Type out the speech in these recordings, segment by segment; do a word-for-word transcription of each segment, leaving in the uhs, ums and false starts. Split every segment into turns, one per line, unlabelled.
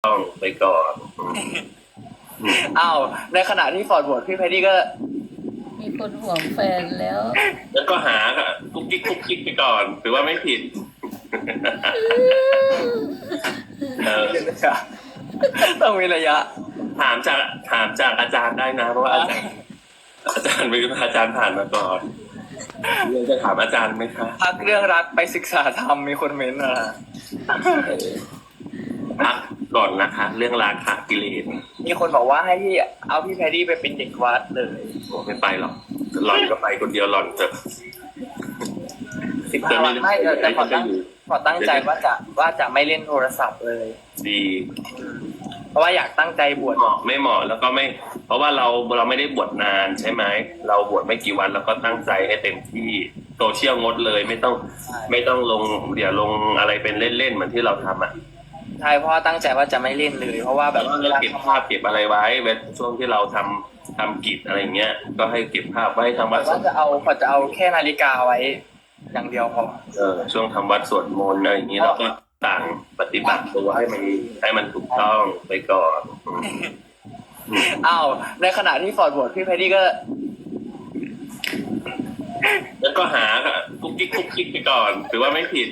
ต้องไปก่อน
อ้าวในขณะที่ฟอร์ดโหวตพี่แพดดี้ก็
มีคนห่วงแฟนแล้ว
แล้วก็หากุ๊กกิ๊กกุ๊กกิ๊กไปก่อนถือว่าไม่ผิดเออ
ต้องมีระยะ
ถามจากถามจากอาจารย์ได้นะเพราะว่าอาจารย์อาจารย์เป็นอาจารย์ผ่านมาก่อนเรื่องจะถามอาจารย์ไหมคะ
พักเรื่องรักไปศึกษาธรรมมีคนเม้นต์มา
พักก่อนนะคะ เรื่องราคากิเลส
มีคนบอกว่าให้พี่เอาพี่แพดดี้ไปเป็นเด็กวัดเลย
โอ้ไม่ไปหรอกหล่อนก็ไปคนเดียวหล่อนจะ
สิบห้าวันไม่แต่ขอตั้งขอตั้งใจว่าจะว่าจะไม่เล่นโทรศัพท์เลย
ดี
เพราะว่าอยากตั้งใจบวช
เหมาะไม่เหมาะแล้วก็ไม่ เพราะว่าเราเราไม่ได้บวชนานใช่ไหมเราบวชไม่กี่วันแล้วก็ตั้งใจให้เต็มที่โซเชียลงดเลยไม่ต้องไม่ต้องลงเดี๋ยวลงอะไรเป็นเล่นๆเหมือนที่เราทำอ่ะ
ใช่เพราะว่าตั้งใจว่าจะไม่เล่นเลย เพราะว่าแบ
แบบ บว่าเราเก็บภาพเก็บอะไรไว้เวลาช่วงที่เราทำทำกิจอะไรเงี้ยก็ให้เก็บภาพไว้ทำวัด
ว่าจะเอาขอจะเอาแค่นาฬิกาไว้อย่างเดียวพอ
เออช่วงทำวัดสวดมนต์อะไรอย่างนี้เราก็ต่างปฏิบัติตัวให้มันให้มันถูกต้องไปก่อนอืม
อ้าวในขณะที่ฟอร์ดโหวตพี่แพดดี้ก็
แล้วก็หากุ๊กกิ๊กกุ๊กกิ๊กไปก่อนถือว่าไม่ผิด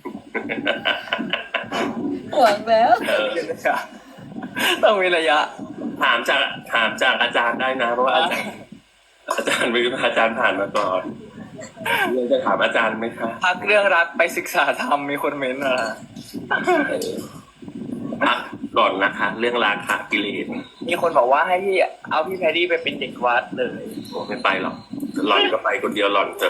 ห่วงแล้ว
เออ
ต้องมีระยะ
ถามจากถามจากอาจารย์ได้นะเพราะว่าอาจารย์อาจารย์เป็นอาจารย์ผ่านมาก่อนเรื่องจะถามอาจารย์ไหมคะ
พักเรื่องรักไปศึกษาธรรมมีคนเม้นต์มา
พักก่อนนะคะ เรื่องราคากิเลส
มีคนบอกว่าให้พี่เอาพี่แพดดี้ไปเป็นเด็กวัดเลย
โอ้ไม่ไปหรอกหล่อนก็ไปคนเดียวหล่อนจะ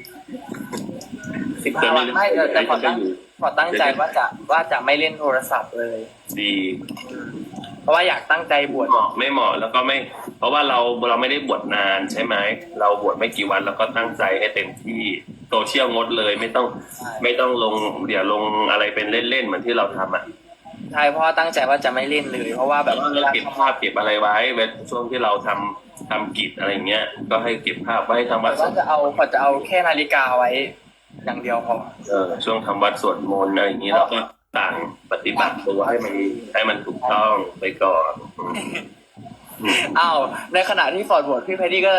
สิบห้าวันไม่แต่ขอตั้งขอตั้งใจว่าจะว่าจะไม่เล่นโทรศัพท์เลย
ดี
เพราะว่าอยากตั้งใจบวช
เหมาะไม่เหมาะแล้วก็ไม่ เพราะว่าเราเราไม่ได้บวชนานใช่ไหมเราบวชไม่กี่วันแล้วก็ตั้งใจให้เต็มที่โซเชียลงดเลยไม่ต้องไม่ต้องลงเดี๋ยวลงอะไรเป็นเล่นๆเหมือนที่เราทำอ่ะ
ใช่เพราะว่าตั้งใจว่าจะไม่เล่นเลย เพราะว่าแบ
แบบ บว่าเราเก็บภาพเก็บอะไรไว้เวลาช่วงที่เราทำทำกิจอะไรเงี้ยก็ให้เก็บภาพไว้ทำวัด
ว่าจะเอาขอจะเอาแค่นาฬิกาไว้อย่างเดียวพอ
เออช่วงทำวัดสวดมนต์อะไรอย่างนี้เราก็ต่างปฏิบัติตัวให้มันให้มันถูกต้องไปก่อนอืม
อ้าวในขณะที่ฟอร์ดโหวตพี่แพดดี้ก็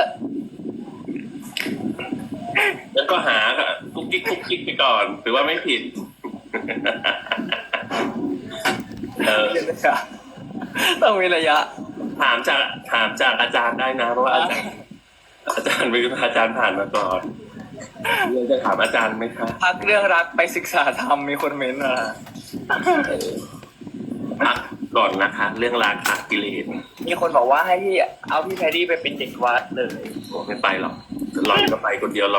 แล้วก็หากุ๊กกิ๊กกุ๊กกิ๊กไปก่อนถือว่าไม่ผิด เออ
ต้องมีระยะ
ถามจากถามจากอาจารย์ได้นะเพราะว่าอาจารย์อาจารย์เป็นอาจารย์ผ่านมาก่อนเรื่องจะถามอาจารย์ไหมคะ
พักเรื่องรักไปศึกษาธรรมมีคนเม้นต์มา
พักก่อนนะคะ เรื่องราคากิเลส
มีคนบอกว่าให้พี่เอาพี่แพดดี้ไปเป็นเด็กวัดเลย
โอ้ไม่ไปหรอกหล่อนก็ไปคนเดียวหล่อน